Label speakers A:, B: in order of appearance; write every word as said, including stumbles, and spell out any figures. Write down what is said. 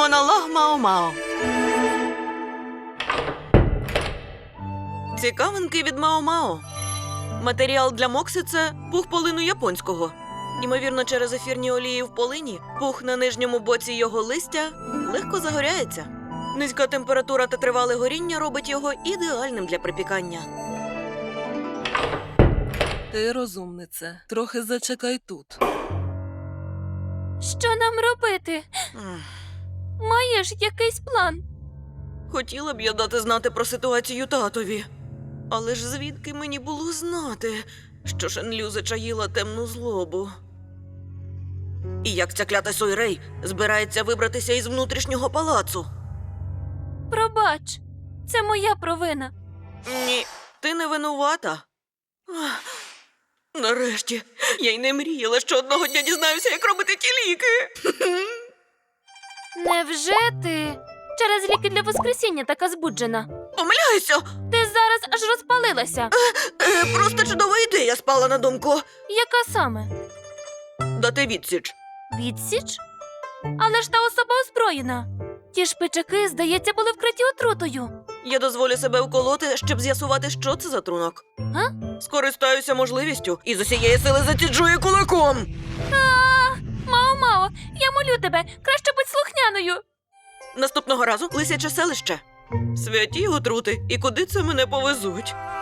A: Монолог Мао-Мао. Цікавинки від Мао-Мао. Матеріал для мокси – це пух полину японського. Ймовірно, через ефірні олії в полині пух на нижньому боці його листя легко загоряється. Низька температура та тривале горіння робить його ідеальним для припікання.
B: Ти розумниця. Трохи зачекай тут.
C: Що нам робити?
A: М.
C: Маєш якийсь план?
A: Хотіла б я дати знати про ситуацію татові. Але ж звідки мені було знати, що Шенлю зачаїла темну злобу? І як ця клята Сойрей збирається вибратися із внутрішнього палацу?
C: Пробач, це моя провина.
A: Ні, ти не винувата. Ах, нарешті, я й не мріяла, що одного дня дізнаюся, як робити ті ліки.
C: Невже ти через ліки для воскресіння така збуджена?
A: Помиляюся!
C: Ти зараз аж розпалилася.
A: Е, просто чудова ідея спала на думку.
C: Яка саме?
A: Дати відсіч.
C: Відсіч? Але ж та особа озброєна. Ті шпичаки, здається, були вкриті отрутою.
A: Я дозволю себе вколоти, щоб з'ясувати, що це за трунок.
C: Га?
A: Скористаюся можливістю і з усієї сили заціджую кулаком.
C: А, Мао-Мао, я молю тебе, краще будь слухняною.
A: Наступного разу лисяче селище. Святі отрути, і куди це мене повезуть?